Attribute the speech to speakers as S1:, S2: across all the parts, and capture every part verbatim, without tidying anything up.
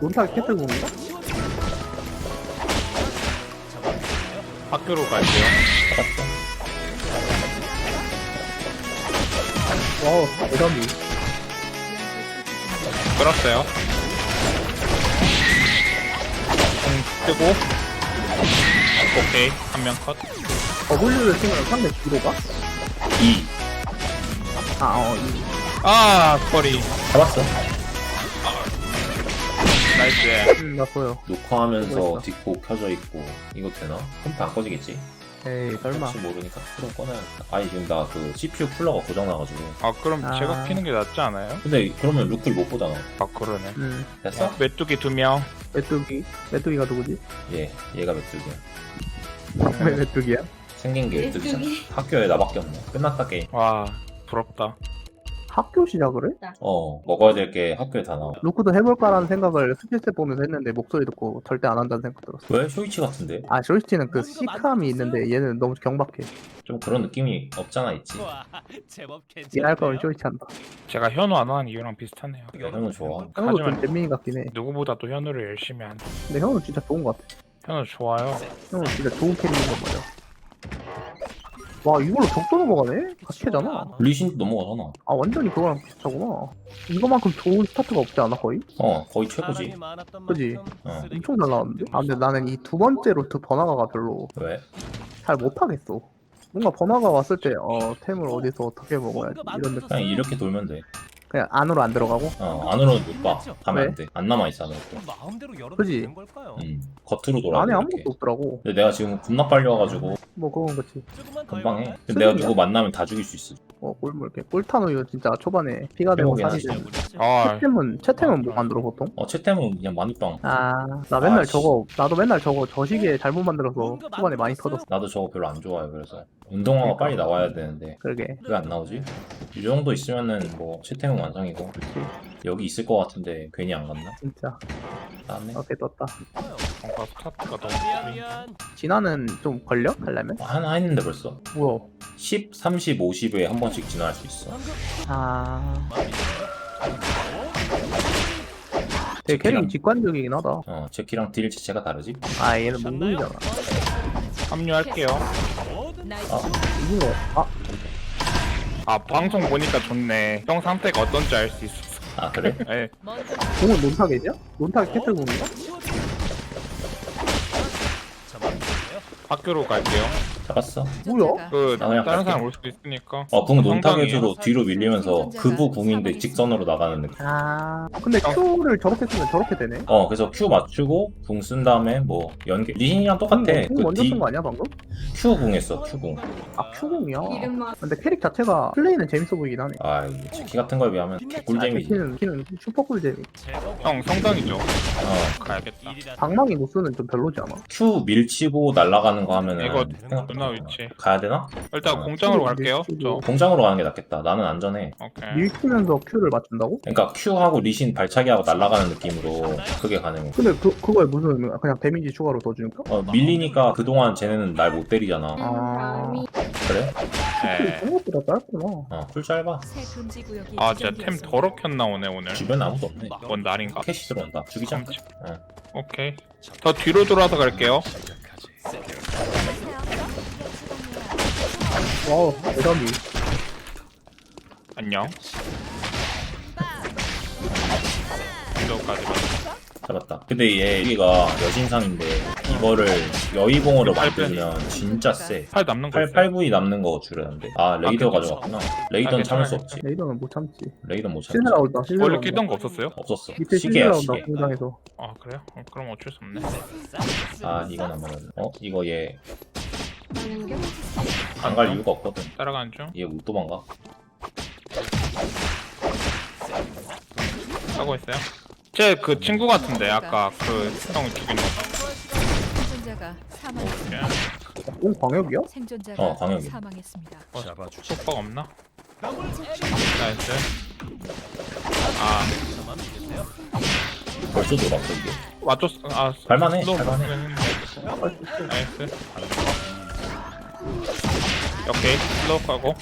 S1: 논타 캐틀공인가?
S2: 학교로 갈게요.
S1: 와우, 대단히.
S2: 끌었어요. 공 뜨고. 오케이. 한 명 컷.
S1: W를 쓰면 상대 뒤로 가?
S3: 이
S1: 아, 어, 이.
S2: 아, 거리.
S3: 잡았어.
S2: 나이스.
S1: 음, 나 보여.
S3: 녹화하면서
S1: 보고 있어.
S3: 뒷고 켜져 있고 이거 되나? 컴퓨터 안 꺼지겠지?
S1: 에이, 설마.
S3: 혹시 모르니까 프로 꺼놔야겠다. 아니 지금 나 그 씨피유 쿨러가 고장나가지고.
S2: 아, 그럼
S1: 아.
S2: 제가 피는 게 낫지 않아요?
S3: 근데 그러면 루크를 못 보잖아.
S2: 아, 그러네.
S1: 음,
S3: 됐어?
S2: 메뚜기 두 명.
S1: 메뚜기. 메뚜기가 누구지?
S3: 얘 얘가 메뚜기야.
S1: 왜 메뚜기야?
S3: 생긴 게 메뚜기잖아. 학교에 나밖에 없네. 끝났다 게임.
S2: 와, 부럽다.
S1: 학교 시작을 해?
S3: 어 먹어야 될 게 학교에 다 나와.
S1: 루크도 해볼까라는 생각을 스킬셋 보면서 했는데 목소리 듣고 절대 안 한다는 생각 들었어.
S3: 왜? 쇼이치 같은데?
S1: 아, 쇼이치는 그 시크함이 있는데 얘는 너무 경박해.
S3: 좀 그런 느낌이 없잖아 있지.
S1: 얘할 거면 쇼이치 한다.
S2: 제가 현우 안 하는 이유랑 비슷하네요.
S3: 현우 좋아.
S1: 현우도 좀
S2: 하지만
S1: 잼민이 같긴 해.
S2: 누구보다도 현우를 열심히 한다.
S1: 근데 현우 진짜 좋은 것 같아.
S2: 현우 좋아요.
S1: 현우 진짜 좋은 캐릭인 거 맞아. 와, 이걸로 적도 넘어가네? 같이 캐잖아.
S3: 리신도 넘어가잖아.
S1: 아, 완전히 그거랑 비슷하구나. 이거만큼 좋은 스타트가 없지 않아, 거의?
S3: 어 거의 최고지.
S1: 그지?
S3: 어
S1: 엄청 잘 나왔는데? 아, 근데 나는 이 두 번째 루트 번화가가 별로
S3: 왜?
S1: 잘 못하겠어. 뭔가 번화가 왔을 때, 어, 템을 어디서 어떻게 먹어야지. 이런 느낌.
S3: 그냥 이렇게 돌면 돼.
S1: 그냥 안으로 안 들어가고?
S3: 어 안으로는 못 봐. 가면
S1: 왜?
S3: 안 돼. 안 남아 있잖아.
S1: 그지?
S3: 음 겉으로 돌아.
S1: 안에
S3: 이렇게.
S1: 아무것도 없더라고.
S3: 근데 내가 지금 겁나 빨리 와가지고
S1: 뭐, 그건 그치.
S3: 금방 해. 근데 내가 누구 만나면 다 죽일 수 있어.
S1: 어, 꿀물 이렇게. 꿀탄 우유 진짜 초반에 피가 되고
S3: 빼먹긴
S1: 살이
S3: 하지.
S1: 되고.
S2: 아,
S1: 채템은, 채템은 뭐 만들어, 보통?
S3: 어 채템은 그냥 마누빵.
S1: 아, 나 맨날
S3: 아, 씨.
S1: 저거, 나도 맨날 저거 저시계 잘못 만들어서 초반에 많이 터졌어.
S3: 나도 저거 별로 안 좋아해. 그래서 운동화가 빨리 나와야 되는데
S1: 그러게.
S3: 왜 안 나오지? 이 정도 있으면은 뭐 채템은 완성이고. 여기 있을 것 같은데 괜히 안 갔나?
S1: 진짜.
S3: 나왔네.
S1: 오케이, 떴다.
S2: 뭔가 스타트가 너무 느린.
S1: 진화는 좀 걸려? 하려면?
S3: 어, 하나 했는데 벌써
S1: 뭐야?
S3: 십, 삼십, 오십에 한 번씩 진화할 수 있어.
S1: 아. 되게 캐릭이 직관적이긴 하다.
S3: 어 제키랑 딜 자체가 다르지?
S1: 아, 얘는 몽둥이잖아.
S2: 합류할게요.
S1: 이긴 거. 아,
S2: 아, 방송 보니까 좋네. 형 상태가 어떤지 알 수 있었어.
S3: 아 그래?
S2: 예.
S1: 공은 논타겟이야? 논타겟 캐틀공인가?
S2: 학교로 갈게요.
S3: 잡았어.
S1: 뭐야?
S2: 그
S3: 나 그냥
S2: 다른
S3: 갈게.
S2: 사람 올 수도 있으니까.
S3: 어궁
S2: 성당이에요.
S3: 논타겟으로 뒤로 밀리면서 그부 궁인데 직선으로 나가는 느낌.
S1: 아, 근데
S2: 어.
S1: Q를 저렇게 쓰면 저렇게 되네.
S3: 어 그래서 Q 맞추고 궁 쓴 다음에 뭐 연계 리신이랑 똑같아.
S1: 궁
S3: 그
S1: 먼저
S3: D
S1: 쓴 거 아니야, 방금?
S3: Q 궁 했어 Q 궁.
S1: 아, Q공이야. 근데 캐릭 자체가 플레이는 재밌어 보이긴 하네.
S3: 아 이거 제키 같은 거에 비하면 꿀잼이지.
S1: 키는, 키는 슈퍼 꿀잼이.
S2: 형 성당이죠.
S3: 어
S2: 가야겠다.
S1: 방망이 노스는 좀 별로지 않아?
S3: Q 밀치고 날아가는 거 하면은
S2: 이거
S3: 생각보다
S2: 누나 위치.
S3: 가야 되나?
S2: 일단
S3: 어.
S2: 공장으로 갈게요. 저.
S3: 공장으로 가는 게 낫겠다. 나는 안전해.
S2: 오케이.
S1: 밀치면서 Q를 맞춘다고?
S3: 그러니까 Q하고 리신 발차기하고 날아가는 느낌으로 그게 가능해.
S1: 근데 그, 그거에 무슨 의미야? 그냥 데미지 추가로 더 주니까?
S3: 어 밀리니까 그동안 쟤네는 날 못 때리잖아.
S1: 아,
S3: 그래?
S2: 네.
S1: 생각보다 짧구나.
S3: 어 쿨 짧아.
S2: 아, 진짜 템 더럽게 나오네 오늘.
S3: 주변에 아무도 없네.
S2: 뭔 날인가?
S3: 캐시 들어온다. 죽이자. 어.
S2: 오케이. 더 뒤로 돌아서 갈게요.
S1: 와우, 대단히.
S2: 안녕. 이거까지 봐.
S3: 잡았다. 근데 얘 여기가 여신상인데 이거를 여의봉으로
S2: 팔
S3: 만들면 진짜 세.
S2: 팔 남는 거
S3: 팔,
S2: 있어요.
S3: 팔 부위 남는 거 줄였는데. 아 레이더
S2: 아,
S3: 가져갔구나. 레이더는
S2: 아,
S3: 참을 수
S2: 괜찮아요.
S3: 없지.
S1: 레이더는 못 참지.
S3: 레이더는 못 참지.
S1: 신세라 온다, 신세라
S2: 원래
S1: 온다.
S2: 끼던 거 없었어요?
S3: 없었어.
S1: 밑에
S3: 시계야
S1: 신세라 온다,
S3: 시계.
S1: 공장에서.
S2: 아, 그래요? 어, 그럼 어쩔 수 없네.
S3: 아 이건 안 먹었네. 어 이거 얘 안 갈 이유가 없거든.
S2: 따라가는 중.
S3: 얘 못 도망가.
S2: 하고 있어요. 제 그 친구 같은데 아까 그 형 죽인 거.
S4: 생존자가 사망했습니다.
S2: 오케이.
S1: 공 광역이야?
S4: 생존자가
S3: 어, 광역이.
S4: 사망했습니다.
S2: 어, 속박 없나? 나이스. 아,
S3: 벌써 돌았어 이게.
S2: 맞췄어. 아,
S3: 갈만해,
S2: 슬로우
S3: 갈만해.
S2: 했는데. 나이스. 오케이. 슬로우 가고.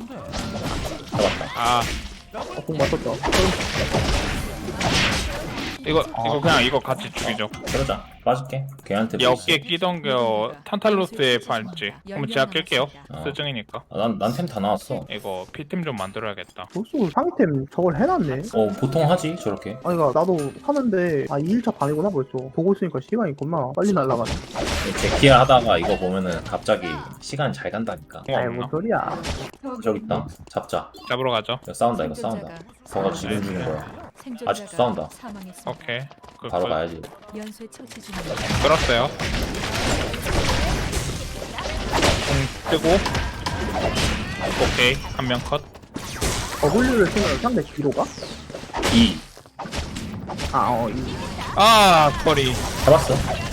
S3: 잡았다.
S2: 아,
S1: 아, 공 맞췄다.
S2: 이거 이거 그냥 이거 같이 죽이죠.
S3: 그러자. 빠질게. 걔한테
S2: 얘
S3: 뭐
S2: 어깨에
S3: 있어?
S2: 끼던 거 탄탈로스의 팔찌. 그럼 제가 낄게요.
S3: 어.
S2: 스증이니까.
S3: 아, 난, 난 템 다 나왔어.
S2: 이거 피템 좀 만들어야겠다.
S1: 벌써 상위템 저걸 해놨네.
S3: 어, 보통 하지, 저렇게.
S1: 아니, 가 나도 하는데, 아, 이 일차 반이구나, 벌써. 보고 있으니까 시간이 겁나 빨리 날아가네.
S3: 제키야 하다가 이거 보면은 갑자기 시간 잘 간다니까.
S2: 어,
S1: 아이,
S2: 없나?
S1: 뭔 소리야.
S3: 저기 있다. 잡자.
S2: 잡으러 가죠.
S3: 이거 싸운다, 이거 싸운다. 저거 지금 주는 거야. 아직도 싸운다.
S2: 오케이. 그,
S3: 바로
S2: 그,
S3: 가야지.
S4: 연쇄 처치 중입니다.
S2: 끌었어요. 공 뜨고. 오케이. 한 명 컷.
S1: W를 쓰면 상대 뒤로 가?
S3: 이.
S1: 아, 어, 이.
S2: 아, 거리.
S3: 잡았어.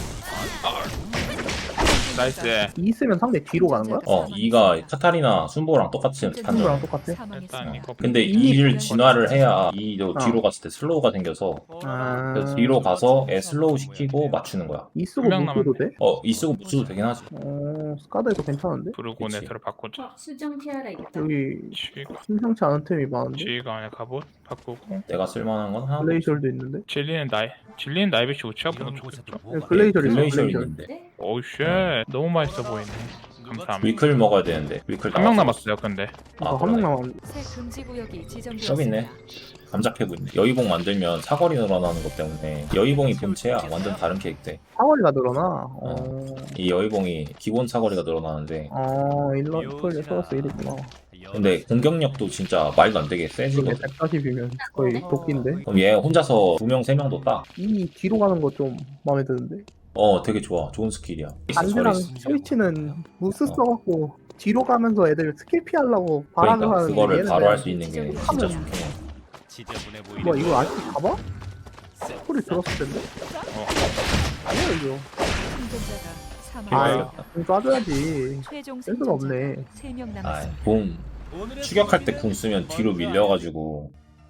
S2: 나이스.
S1: 이 쓰면 상대 뒤로 가는 거야?
S3: 어, 이가 카타리나 순보랑 똑같이 판정.
S1: 친구랑 똑같아?
S2: 일단 이거.
S3: 근데 이를 진화를 해야 이도
S1: 어.
S3: 뒤로 갔을 때 슬로우가 생겨서
S1: 아,
S3: 그래서 뒤로 가서 애 슬로우 시키고 맞추는 거야.
S1: 이 쓰고
S2: 한 명
S1: 못 써도 돼?
S3: 어, 이 쓰고 못 써도 되긴 하지.
S1: 어, 스카드에도 괜찮은데?
S2: 브루고네트를 바꾸자.
S5: 수정 티아라 있다.
S1: 여기
S2: 지휘관.
S1: 심상치 않은 템이 많은데?
S2: 지휘관의 갑옷 바꾸고.
S3: 내가 쓸만한 건 하나.
S1: 글레이셜도 있는데?
S2: 진리는 나이. 진리는 나이비시 우치가 보는 좋겠죠.
S1: 네, 글레이셜 있어,
S3: 글레이셜
S1: 글레이셜.
S3: 있는데.
S2: 오우 쉣. 너무 맛있어 보이네. 감사합니다.
S3: 위클 먹어야 되는데. 위클
S2: 한 명
S3: 나왔어.
S2: 남았어요, 근데.
S3: 아,
S1: 아, 한명
S3: 그러네.
S1: 남았는데.
S4: 새 금지 구역이
S3: 저기
S4: 지정되었습니다.
S3: 있네. 감작해고 있네. 여의봉 만들면 사거리 늘어나는 것 때문에 여의봉이 본체야. 완전 다른 캐릭터.
S1: 사거리가 늘어나? 어,
S3: 이 여의봉이 기본 사거리가 늘어나는데
S1: 어, 일러, 이걸 써서 이랬구나.
S3: 근데 공격력도 진짜 말도 안 되게
S1: 이게
S3: 세지거든.
S1: 백사십이면 거의 도끼인데?
S3: 그럼 얘 혼자서 두 명, 세 명도 따.
S1: 이 뒤로 가는 거 좀 마음에 드는데?
S3: 어, 되게 좋아. 좋은 스킬이야.
S1: 반대랑
S3: 저리-
S1: 스위치는 무스
S3: 어.
S1: 써갖고 뒤로 가면서 애들 스킬 피하려고 발악을
S3: 그러니까
S1: 하는데
S3: 그거를
S1: 얘는
S3: 바로
S1: 그냥
S3: 할 수 있는 게 진짜 좋긴 해.
S1: 뭐 이거 아직 가봐? 소리 들었을 텐데?
S2: 어.
S1: 뭐야 이거?
S4: 생존자가
S1: 아
S2: 이거요?
S4: 사망했습니다.
S1: 이거 쏴줘야지
S4: 최종
S1: 센스가 없네.
S4: 세 명
S3: 아,
S4: 남았습니다.
S3: 공 추격할 때 궁 쓰면 뒤로 밀려가지고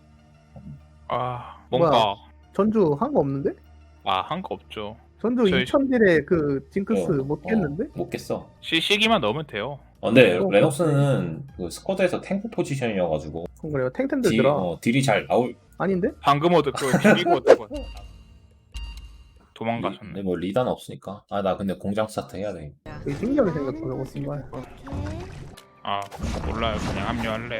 S2: 아, 뭔가.
S1: 전주 한 거 없는데?
S2: 아, 한 거 없죠.
S1: 전주
S2: 저희-
S1: 이천 딜에 그 징크스
S3: 어,
S1: 못 깼는데?
S3: 어, 못 깼어.
S2: 시, 시기만 넣으면 돼요.
S3: 어, 근데
S1: 어,
S3: 레녹스는 그 스쿼드에서 탱크 포지션이어가지고
S1: 그럼 그래요
S3: 딜,
S1: 탱탱들더라
S3: 어, 딜이 잘 나올.
S1: 아닌데?
S2: 방금 얻은 그 비비고 얻은 거.
S3: 근데
S2: 도망가셨네.
S3: 뭐 리다는 없으니까. 아, 나 근데 공장 스타트 해야 돼.
S1: 되게 신기하게 생겼어 저거 정말.
S2: 아, 몰라요. 그냥 합류할래요.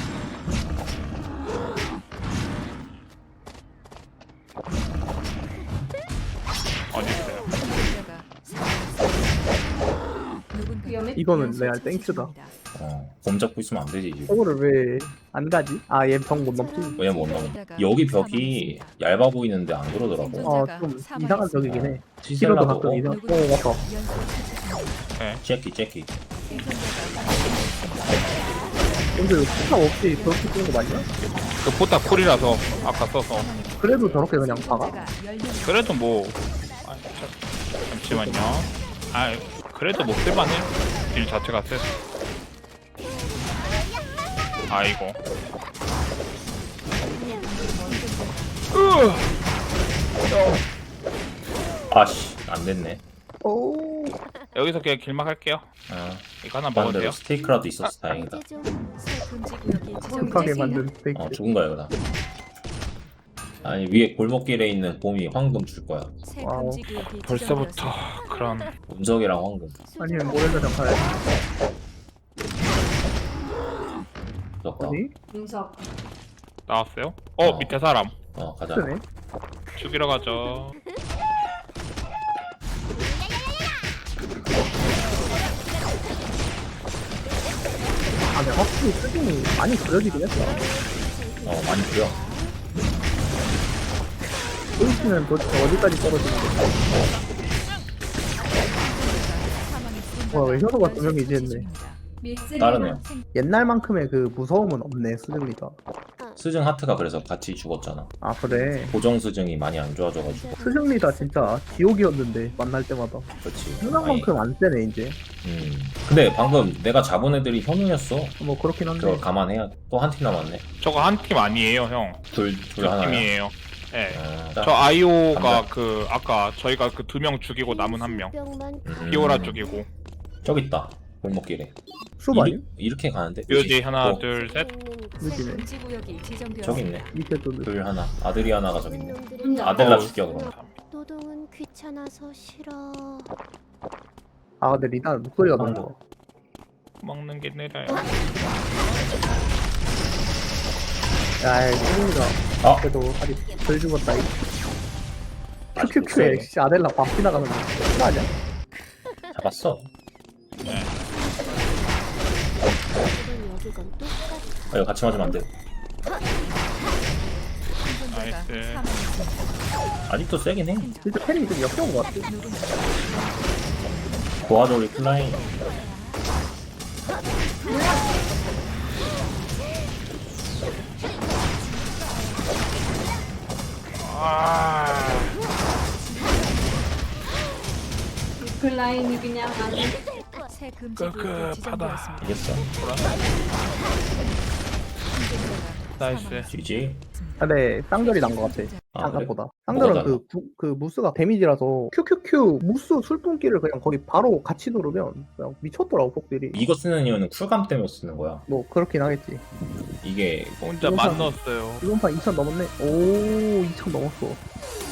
S2: 어디 있어요?
S4: 생존자가 사망했습니다. 누군가
S5: 위험해?
S1: 이거는
S4: 연쇄
S1: 레알
S4: 처치
S1: 땡큐다.
S4: 중입니다.
S3: 어, 곰 잡고 있으면 안 되지 지금.
S1: 저거를 왜 안 가지? 아 얘 벽 못 넘지?
S3: 왜냐면 못 넘어. 여기 벽이 얇아 보이는데 안 그러더라고.
S1: 아 좀 이상한 벽이긴 해 키로도
S3: 시셀라도
S1: 가끔
S3: 어,
S1: 이상 어
S4: 누군가
S1: 맞다
S4: 연쇄 처치 중입니다.
S3: 제키 제키.
S4: 생존자가
S1: 근데 포탑 없이 저렇게 쓰는 거 맞냐?
S2: 그 포탑 쿨이라서 아까 써서.
S1: 그래도 저렇게 그냥 박아?
S4: 생존자가 열 명
S2: 그래도 뭐. 아, 자, 잠시만요. 아, 그래도 못 쓸만해. 딜 자체가 세. 아이고.
S3: 아씨, 안 됐네.
S1: 오
S2: 여기서 그냥 길막 할게요.
S3: 아,
S2: 이거 하나 먹어도
S3: 반대로
S2: 돼요?
S3: 스테이크라도 있어서 다행이다.
S4: 새 금지 구역이
S1: 깜깜하게
S4: 지정되었습니다.
S1: 만든 스테이크
S3: 어, 죽은 거야 그다. 아니 위에 골목길에 있는 곰이 황금 줄 거야.
S4: 새
S1: 와우.
S4: 금지 구역이
S2: 벌써부터
S4: 지정되었습니다.
S2: 그런.
S3: 운석이랑 황금.
S1: 아니면 모렐라장 가야지
S3: 무섭다.
S1: 어디?
S5: 용석.
S2: 나왔어요? 어,
S3: 어.
S2: 밑에 사람.
S3: 어, 가자.
S1: 쓰네
S2: 죽이러 가죠.
S1: 아 근데 확실히 수준이 많이 그려지긴 했어
S3: 어, 많이 그려.
S1: 스위치는 도대체 어디까지 떨어지는 거야?
S4: 사망했습니다.
S1: 와, 왜 효도가 두 명이 이제 했네.
S5: 밀쓰리.
S3: 다르네요.
S1: 옛날만큼의 그 무서움은 없네 수준이가
S3: 스승 하트가 그래서 같이 죽었잖아.
S1: 아 그래
S3: 고정 스승이 많이 안 좋아져가지고.
S1: 스승리다 진짜 지옥이었는데 만날 때마다
S3: 그렇지.
S1: 생각만큼 안 세네 이제
S3: 음. 근데 방금 내가 잡은 애들이 현우였어.
S1: 뭐 그렇긴 한데
S3: 그걸 감안해야 돼. 또 한 팀 남았네.
S2: 저거 한 팀 아니에요, 형.
S3: 둘,
S2: 두
S3: 둘 하나야.
S2: 팀이에요. 예.
S3: 아,
S2: 저 아이오가
S3: 감자.
S2: 그 아까 저희가 그 두 명 죽이고 남은 한 명.
S3: 음.
S2: 피오라 죽이고.
S3: 저기 있다. 골목길에.
S1: 수업 아니?
S3: 이르, 이렇게 가는데.
S2: 묘지 하나
S3: 어,
S2: 둘셋
S4: 새
S1: 여기네.
S4: 금지 구역이 지정되었습니다.
S3: 저기 있네.
S1: 밑에 또
S3: 둘 하나. 아드리아나가 저기 있네.
S5: 놈들은
S3: 아델라
S2: 어.
S3: 죽여 그럼.
S5: 노동은 귀찮아서 싫어.
S1: 아 근데 리단 목소리가 너무
S3: 아,
S1: 좋아.
S2: 먹는 게 느려요.
S1: 야이 소리가
S3: 아!
S1: 그래도 아직 덜 죽었다 이
S3: 아직
S1: 큐큐큐에
S3: 목소리.
S1: 진짜 아델라 밥 지나가는 거 그거 아니야?
S3: 잡았어.
S5: 그건 여기건 똑같아.
S3: 아, 이거 같이 맞으면 안 돼.
S4: 생존자가
S2: 나이스.
S4: 사망했습니다.
S3: 아직도 세긴 해.
S1: 진짜 패링이 좀 역겨운 것 같아.
S3: 도와줘 우리 플라잉.
S2: 아
S6: 플라잉이 그냥 아주
S4: 새 금지 구역이
S2: 끄끄하다.
S4: 지정되었습니다.
S3: 이겼어.
S4: 생존자가
S2: 나이스.
S3: 지지.
S1: 근데 쌍절이 난 것 같아.
S3: 아, 그래?
S1: 생각보다.
S3: 뭐가
S1: 쌍절은
S3: 달라?
S1: 그, 구, 그 무스가 데미지라서 큐큐큐 무스 술pun기를 그냥 거의 바로 같이 누르면 그냥 미쳤더라고 폭들이.
S3: 이거 쓰는 이유는 쿨감 때문에 쓰는 거야.
S1: 뭐 그렇긴 하겠지.
S3: 이게
S2: 혼자
S1: 이건
S2: 만
S1: 사-
S2: 넣었어요.
S1: 이번 판 이천 넘었네. 오 이천 넘었어.